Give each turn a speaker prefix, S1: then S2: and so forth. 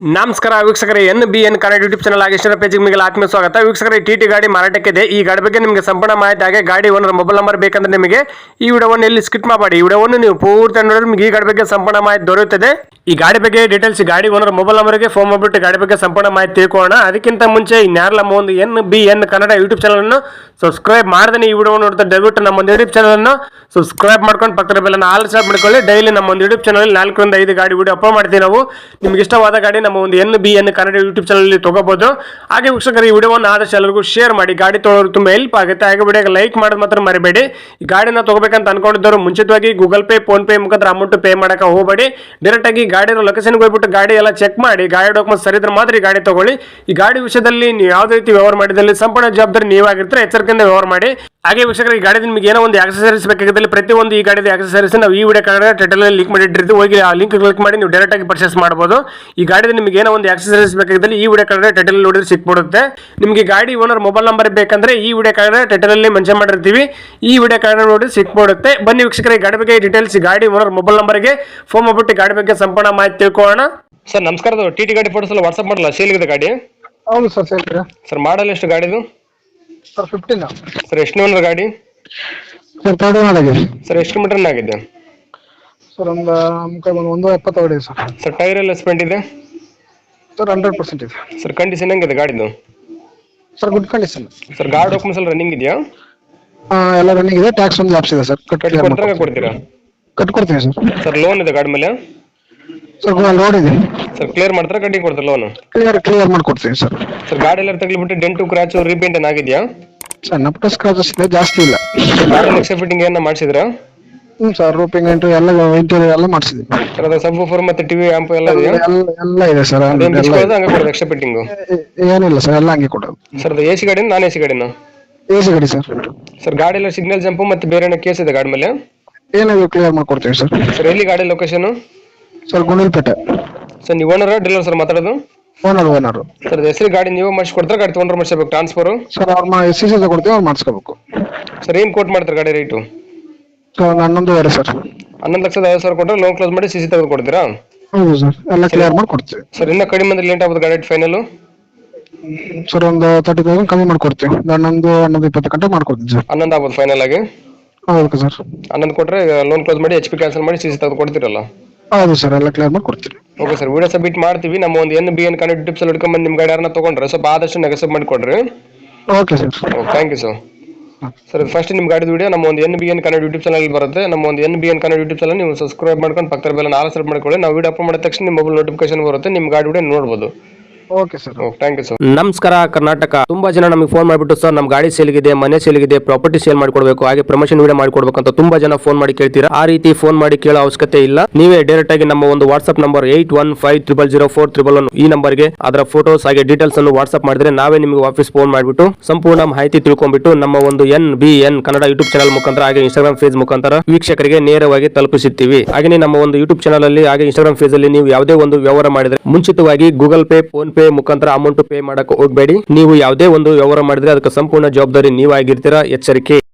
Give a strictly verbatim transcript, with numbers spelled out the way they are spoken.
S1: ನಮಸ್ಕಾರ ವೀಕ್ಷಕರೇ, N B N Kannada YouTube channel ಆಗಿ ಇಷ್ಟರ ಪೇಜಿಗೆ ನಿಮಗೆ ಆತ್ಮೀಯ ಸ್ವಾಗತ. ವೀಕ್ಷಕರೇ, ಟಿ ಟಿ ಗಾಡಿ ಮಾರಾಟಕ್ಕಿದೆ. ಈ ಗಾಡಿ ಬಗ್ಗೆ ನಿಮಗೆ ಸಂಪೂರ್ಣ ಮಾಹಿತಿ ಹಾಗೆ ಗಾಡಿ ಓನರ್ ಮೊಬೈಲ್ ನಂಬರ್ ಬೇಕಂದ್ರೆ ನಿಮಗೆ ಈ ವಿಡಿಯೋವನ್ನು ಎಲ್ಲಿ ಸ್ಕಿಪ್ ಮಾಡಬೇಡಿ. ಈ ವಿಡಿಯೋವನ್ನು ನೀವು ಪೂರ್ತಿ ನೋಡಿದ್ರೆ ನಿಮಗೆ ಈ ಗಾಡಿ ಬಗ್ಗೆ ಸಂಪೂರ್ಣ ಮಾಹಿತಿ ದೊರೆಯುತ್ತದೆ. ಈ ಗಾಡಿ ಬಗ್ಗೆ ಡೀಟೇಲ್ಸ್ ಗಾಡಿ ಓನರ್ ಮೊಬೈಲ್ ನಂಬರ್ಗೆ ಫೋನ್ ಮಾಡಿಬಿಟ್ಟು ಗಾಡಿ ಬಗ್ಗೆ ಸಂಪೂರ್ಣ ಮಾಹಿತಿ ತಿಳ್ಕೊಳ್ಳೋಣ. ಅದಕ್ಕಿಂತ ಮುಂಚೆ ಇನ್ಯಾರಲ್ಲ ನಮ್ಮ ಒಂದು N B N Kannada YouTube channel ಅನ್ನು ಸಬ್ಸ್ಕ್ರೈಬ್ ಮಾಡದೇ ಈ ವಿಡಿಯೋ ನೋಡ್ತಾ ದಯವಿಟ್ಟು ನಮ್ಮ ಒಂದು ಯೂಟ್ಯೂಬ್ ಚಾನಲ್ ಅನ್ನು ಸಬ್ಸ್ಕ್ರೈಬ್ ಮಾಡ್ಕೊಂಡು ಪಕ್ಕದ ಬೆಲ್ಲನ್ನು ಆಲ್ ಸ್ಟಾಪ್ ಮಾಡ್ಕೊಳ್ಳಿ. ಡೈಲಿ ನಮ್ಮ ಒಂದು ಯೂಟ್ಯೂಬ್ ಚಾನಲ್ ನಾಲ್ಕರಿಂದ ಐದು ಗಾಡಿ ವಿಡಿಯೋ ಅಪ್ಲೋಡ್ ಮಾಡ್ತೀವಿ ನಾವು. ನಿಮ್ಗೆ ಇಷ್ಟವಾದ ಗಾಡಿ ನಮ್ಮ ಒಂದು N B N Kannada YouTube channel ತಗೋಬಹುದು. ಹಾಗೆ ವೀಕ್ಷಕರು, ಈ ವಿಡಿಯೋವನ್ನು ಆದಷ್ಟು ಎಲ್ಲರಿಗೂ ಶೇರ್ ಮಾಡಿ. ಗಾಡಿ ತೊಗೊಳ್ಳೋರು ತುಂಬಾ ಹೆಲ್ಪ್ ಆಗುತ್ತೆ. ಹಾಗೆ ವಿಡಿಯೋಗೆ ಲೈಕ್ ಮಾಡೋದು ಮಾತ್ರ ಮರಿಬೇಡಿ. ಈ ಗಾಡಿನ ತಗೋಬೇಕಂತ ಅನ್ಕೊಂಡಿದ್ದವರು ಮುಂಚಿತವಾಗಿ ಗೂಗಲ್ ಪೇ, ಫೋನ್ ಪೇ ಮುಖಾಂತರ ಅಮೌಂಟ್ ಪೇ ಮಾಡಕ್ಕೆ ಹೋಗಬೇಡಿ. ಡೈರೆಕ್ಟ್ ಆಗಿ ಗಾಡಿ ಲೊಕೇಶನ್ಗೆ ಹೋಗ್ಬಿಟ್ಟು ಗಾಡಿ ಎಲ್ಲ ಚೆಕ್ ಮಾಡಿ, ಗಾಡಿ ಡಾಕ್ಯುಮೆಂಟ್ಸ್ ಸರಿ ಇದ್ರೆ ಮಾತ್ರ ಈ ಗಾಡಿ ತಗೊಳ್ಳಿ. ಈ ಗಾಡಿ ವಿಷಯದಲ್ಲಿ ನೀವು ಯಾವುದೇ ರೀತಿ ವ್ಯವಹಾರ ಮಾಡಿದಲ್ಲಿ ಸಂಪೂರ್ಣ ಜವಾಬ್ದಾರಿ ನೀವಾಗಿರ್ತಾರೆ. ಎಚ್ಚರಿಕೆಯಿಂದ ವ್ಯವಹಾರ ಮಾಡಿ. ಹಾಗೆ ವೀಕ್ಷಕರು, ಈ ಗಾಡಿ ನಿಮಗೆ ಏನೋ ಒಂದು ಆಕ್ಸೆಸರೀಸ್ ಬೇಕಾಗಿದ್ದಲ್ಲಿ ಪ್ರತಿಯೊಂದು ಈ ಗಾಡಿದ ಆಕ್ಸೆಸರೀಸ್ ನಾವು ಈ ವಿಡಿಯೋ ಕಾರ್ಡ್ ಟೈಟಲ್ ಲಿಂಕ್ ಮಾಡಿಟ್ಟಿರ್ತೀವಿ. ಹೋಗಿ ಆ ಲಿಂಕ್ ಕ್ಲಿಕ್ ಮಾಡಿ ನೀವು ಡೈರೆಕ್ಟ್ ಆಗಿ ಪರ್ಚೇಸ್ ಮಾಡಬಹುದು. ಈ ಗಾಡಿದ ನಿಮಗೆ ಏನೋ ಒಂದು ಆಕ್ಸೆಸರೀಸ್ ಬೇಕಾಗಿದ್ದಲ್ಲಿ ಈ ವಿಡಿಯೋ ಕಾರ್ಡ್ ಟೈಟಲ್ ನೋಡಿದ್ರೆ ಸಿಕ್ಬಿಡುತ್ತೆ. ನಿಮಗೆ ಗಾಡಿ ಓನರ್ ಮೊಬೈಲ್ ನಂಬರ್ ಬೇಕಂದ್ರೆ ಈ ವಿಡಿಯೋ ಕಾರ್ಡ್ ಟೈಟಲ್ ಅಲ್ಲಿ ಮೆನ್ಷನ್ ಮಾಡಿರ್ತೀವಿ. ಈ ವಿಡಿಯೋ ಕಾರ್ಡ್ ನೋಡಿ ಸಿಕ್ಬಿಡುತ್ತೆ. ಬನ್ನಿ ವೀಕ್ಷಕರೇ, ಗಾಡಿ ಬಗ್ಗೆ ಡೀಟೇಲ್ಸ್ ಗಾಡಿ ಓನರ್ ಮೊಬೈಲ್ ನಂಬರ್ಗೆ ಫೋನ್ ಮಾಡ್ಬಿಟ್ಟು ಗಾಡಿ ಬಗ್ಗೆ ಸಂಪೂರ್ಣ ಮಾಹಿತಿ ತಿಳ್ಕೊಳ್ಳೋಣ. ಸರ್ ನಮಸ್ಕಾರ, ಟಿ ಟಿ ಗಾಡಿ ಫೋಟೋಸ್ ಎಲ್ಲ ವಾಟ್ಸ್ಆಪ್ ಮಾಡಲ್ಲ, ಸೇಲ್ ಇದೆ ಗಾಡಿ?
S2: ಹೌದು ಸರ್, ಸೇಲ್ ಇದೆ
S1: ಸರ್. ಮಾಡಲ್ ಎಷ್ಟು ಗಾಡಿದು?
S2: Sir fifteen.
S1: ಸರ್ ಎಷ್ಟು ಓನರ್ ಗಾಡಿ?
S2: ಸರ್ ತರ್ಡ್ ಓನರ್ ಆಗಿದೆ.
S1: ಸರ್ ಎಷ್ಟು ಕಿಲೋಮೀಟರ್ ಆಗಿದೆ?
S2: ಸರ್ ಒಂದು ಒಂದು ಒಂದು ಎಪ್ಪತ್ತು ಹೊಡಿದೆ ಸರ್.
S1: ಸರ್ ಟೈರ್ ಎಲ್ಲ ಸ್ಪೆಂಟ್ ಇದೆ?
S2: ಸರ್ ಹಂಡ್ರೆಡ್ ಪರ್ಸೆಂಟ್ ಇದೆ.
S1: ಸರ್ ಕಂಡೀಷನ್ ಹೆಂಗಿದೆ ಗಾಡಿದು?
S2: Sir good condition.
S1: ಸರ್ ಗಾಡಿ ಡಾಕ್ಯುಮೆಂಟ್ಸ್ ಎಲ್ಲ ರನ್ನಿಂಗ್ ಇದೆಯಾ?
S2: ಎಲ್ಲ ರನ್ನಿಂಗ್ ಇದೆ. ಟ್ಯಾಕ್ಸ್ ಒಂದು ಲ್ಯಾಪ್ಸ್ ಇದೆ ಸರ್. ಕಟ್
S1: ಕೊಡ್ತೀರಾ ಕೊಡ್ತೀರಾ?
S2: ಕಟ್ಕೊಡ್ತೀವಿ ಸರ್.
S1: ಸರ್ ಲೋನ್ ಇದೆ ಗಾಡಿ ಮೇಲೆ?
S2: ಸರ್ ಲೋನ್ ಇದೆ.
S1: ಸರ್ ಕ್ಲಿಯರ್ ಮಾಡ್ತಾರಾ ಕಟ್ಟಿ ಕೊಡ್ತಾರೆ ಲೋನ್?
S2: ಕ್ಲಿಯರ್ ಕ್ಲಿಯರ್ ಮಾಡ್ಕೊಡ್ತೀವಿ ಸರ್.
S1: ಸರ್ ಗಾಡಿ ಎಲ್ಲ ತಗ್ಲಿಬಿಟ್ಟು ಡೆಂಟು ಕ್ರಾಚು ರೀಪೇಂಟ್ ಏನಾಗಿದೆಯಾ?
S2: ಸರ್ ನಪ್ಟ ಸ್ಕ್ರಾಚಸ್ ಇದೆ, ಜಾಸ್ತಿ ಇಲ್ಲ.
S1: ಗಾಡಿ ಎಕ್ಸ್ಟ್ರಾ ಫಿಟ್ಟಿಂಗ್ ಏನ ಮಾಡಿಸಿದ್ರಾ?
S2: ಹ್ಞೂ ಸರ್, ರೂಪಿಂಗ್ ಎಂಟು ಎಲ್ಲ ಇಂಟೀರಿಯರ್ ಎಲ್ಲ ಮಾಡಿಸಿದ್ವಿ.
S1: ಸರ್ ಅದು ಸಬ್ ಫೋರ್ ಮತ್ತೆ ಟಿವಿ ಆಂಪ್ ಎಲ್ಲ ಇದೆಯಾ?
S2: ಎಲ್ಲ ಇದೆ ಸರ್.
S1: ಹಂಗೆ ಕೊಡೋದು ಎಕ್ಸ್ಟ್ರಾ ಫಿಟ್ಟಿಂಗು?
S2: ಏನಿಲ್ಲ ಸರ್, ಎಲ್ಲ ಹಂಗೆ ಕೊಡೋದು.
S1: ಸರ್ ಅದು ಎ ಸಿ ಗಾಡಿನ ನಾನ್ ಎ ಸಿ ಗಾಡಿನ?
S2: ಎ ಸಿ ಗಾಡಿ ಸರ್.
S1: ಸರ್ ಗಾಡಿ ಎಲ್ಲ ಸಿಗ್ನಲ್ ಜಂಪು ಮತ್ತೆ ಬೇರೆ ಏನೋ ಕೇಸ್ ಇದೆ ಗಾಡಿ ಮೇಲೆ?
S2: ಏನಾದ್ರು ಕ್ಲಿಯರ್ ಮಾಡ್ಕೊಡ್ತೀವಿ ಸರ್.
S1: ಸರ್ ಎಲ್ಲಿ ಗಾಡಿ ಲೊಕೇಶನ್?
S2: ಸರ್ ಗುಂಡಲ್ಪೇಟೆ.
S1: ಸರ್ ನೀವು ಓನರ್ ಡೀಲರ್ ಸರ್ ಮಾತಾಡೋದು?
S2: Owner owner.
S1: ಸರ್ ಹೆಸರು ಗಾಡಿ ನೀವು ಮಾಡಿಸ್ಕೊಡ್ತಾರೆ, ಗಾಡಿ ತೊಗೊಂಡ್ರೆ ಮಾಡಿಸ್ಬೇಕು ಟ್ರಾನ್ಸ್ಫರು?
S2: ಸರ್ ಅವ್ರ ಎಸ್ ಸಿ ಸಿ ಕೊಡ್ತೀವಿ, ಅವ್ರು ಮಾಡಿಸ್ಕೋಬೇಕು.
S1: ಸರ್ ಏನು ಕೋಟ್ ಮಾಡ್ತಾರೆ ಗಾಡಿ ರೇಟು?
S2: ಸರ್ ಹನ್ನೊಂದುವರೆ ಸರ್.
S1: ಹನ್ನೊಂದು ಲಕ್ಷದ ಐವತ್ತು ಸಾವಿರ ಕೊಟ್ಟರೆ ಲೋನ್ ಕ್ಲೋಸ್ ಮಾಡಿ ಸಿ ಸಿ ತೆಗೆದು ಕೊಡ್ತೀರಾ?
S2: ಹೌದು ಸರ್, ಎಲ್ಲ ಕ್ಲಿಯರ್ ಮಾಡಿ ಕೊಡ್ತೀವಿ.
S1: ಸರ್ ಇನ್ನೂ ಕಡಿಮೆ ಅಂದ್ರೆ ಲೇಟ್ ಆಗ್ಬೋದು ಗಾಡಿ ಫೈನಲ್?
S2: ಸರ್ ಒಂದು ತರ್ಟಿ ತೌಸಂಡ್ ಕಮ್ಮಿ ಮಾಡ್ಕೊಡ್ತೀವಿ. ಹನ್ನೊಂದು ಹನ್ನೊಂದು ಇಪ್ಪತ್ತು ಗಂಟೆ ಮಾಡ್ಕೊಡ್ತೀವಿ ಸರ್.
S1: ಹನ್ನೊಂದು ಆಗ್ಬೋದು ಫೈನಲ್ ಆಗಿ?
S2: ಹೌದು ಸರ್.
S1: ಹನ್ನೊಂದು ಕೊಟ್ಟರೆ ಲೋನ್ ಕ್ಲೋಸ್ ಮಾಡಿ ಎಚ್ ಪಿ ಕ್ಯಾನ್ಸಲ್ ಮಾಡಿ ಸಿ ಸಿ ತೆಗೆದು ಕೊಡ್ತೀರಲ್ಲ?
S2: ಹೌದು ಸರ್, ಎಲ್ಲ ಕ್ಲಿಯರ್ ಮಾಡಿ ಕೊಡ್ತೀವಿ.
S1: ಓಕೆ ಸರ್, ವಿಡಿಯೋ ಸಬ್ಮಿಟ್ ಮಾಡ್ತೀವಿ. ನಮ್ಮ ಒಂದು N B N Kannada tips ಅಲ್ಲಿ ಹಿಡ್ಕೊಂಡ್ಬಂದು ನಿಮ್ಮ ಗಾಡಿ ಯಾರನ್ನ ತೊಗೊಂಡ್ರೆ ಸ್ವಲ್ಪ ಆದಷ್ಟು ನೆಗೆಸಬ್ ಮಾಡಿಕೊಡ್ರಿ.
S2: Okay sir.
S1: Thank you sir. Sir first ನಿಮ್ಮ ಗಾಡಿದ ವಿಡಿಯೋ ನಮ್ಮ ಒಂದು N B N Kannada YouTube channel ಬರುತ್ತೆ. ನಮ್ಮ ಒಂದು N B N Kannada YouTube channel ನೀವು ಸಬ್ಸ್ಕ್ರೈಬ್ ಮಾಡ್ಕೊಂಡು ಪಕ್ಕದ ಬೆಲ್ಲ ಆಲ್ ಸೆಟ್ ಮಾಡ್ಕೊಳ್ಳಿ. ನಾವು ವಿಡಿಯೋ ಅಪ್ಲೋಡ್ ಮಾಡಿದ ತಕ್ಷಣ ನಿಮ್ಮ ಮೊಬೈಲ್ ನೋಟಿಫಿಕೇಶನ್ ಬರುತ್ತೆ, ನಿಮ್ಮ ಗಾಡಿ ವಿಡಿಯೋ ನೋಡ್ಬೋದು.
S2: Okay sir.
S1: Thank you sir.
S3: ನಮಸ್ಕಾರ ಕರ್ನಾಟಕ. ತುಂಬಾ ಜನ ನಮಗೆ ಫೋನ್ ಮಾಡಿಬಿಟ್ಟು ಸರ್ ನಮ್ಮ ಗಾಡಿ ಸೇಲ್ಗಿದೆ, ಮನೆ ಸೇಲ್ಗಿದೆ, ಪ್ರಾಪರ್ಟಿ ಸೇಲ್ ಮಾಡ್ಕೊಡ್ಬೇಕು, ಹಾಗೆ ಪ್ರಮೋಷನ್ ವಿಡಿಯೋ ಮಾಡ್ಕೊಡ್ಬೇಕು ಅಂತ ತುಂಬಾ ಜನ ಫೋನ್ ಮಾಡಿ ಕೇಳ್ತೀರಾ. ಆ ರೀತಿ ಫೋನ್ ಮಾಡಿ ಕೇಳೋ ಅವಶ್ಯಕತೆ ಇಲ್ಲ. ನೀವೇ ಡೈರೆಕ್ಟ್ ಆಗಿ ನಮ್ಮ ಒಂದು WhatsApp number eight one five triple zero four triple one ಈ ನಂಬರ್ಗೆ ಅದರ ಫೋಟೋಸ್ ಹಾಗೆ ಡೀಟೇಲ್ಸ್ ಅನ್ನು ವಾಟ್ಸ್ಆಪ್ ಮಾಡಿದ್ರೆ ನಾವೇ ನಿಮಗೆ ವಾಪಸ್ ಫೋನ್ ಮಾಡಿಬಿಟ್ಟು ಸಂಪೂರ್ಣ ಮಾಹಿತಿ ತಿಳ್ಕೊಂಡ್ಬಿಟ್ಟು ನಮ್ಮ ಒಂದು N B N Kannada YouTube channel ಮುಖಾಂತರ ಹಾಗೆ ಇನ್ಸ್ಟಾಗ್ರಾಮ್ ಫೇಸ್ ಮುಖಾಂತರ ವೀಕ್ಷಕರಿಗೆ ನೇರವಾಗಿ ತಲುಪಿಸುತ್ತೀವಿ. ಹಾಗೆ ನಮ್ಮ ಒಂದು ಯೂಟ್ಯೂಬ್ ಚಾನಲ್ ಅಲ್ಲಿ ಹಾಗೆ ಇನ್ಸ್ಟಾಗ್ರಾಮ್ ಫೇಸ್ ಅಲ್ಲಿ ನೀವು ಯಾವುದೇ ಒಂದು ವ್ಯವಹಾರ ಮಾಡಿದ್ರೆ ಮುಂಚಿತವಾಗಿ ಗೂಗಲ್ ಪೇ, ಫೋನ್ ಪೇ ಮುಖಾಂತರ ಅಮೌಂಟ್ ಪೇ ಮಾಡಕ್ಕೆ ಹೋಗಬೇಡಿ. ನೀವು ಯಾವುದೇ ಒಂದು ವ್ಯವಹಾರ ಮಾಡಿದ್ರೆ ಅದಕ್ಕೆ ಸಂಪೂರ್ಣ ಜವಾಬ್ದಾರಿ ನೀವಾಗಿರ್ತೀರಾ. ಎಚ್ಚರಿಕೆ.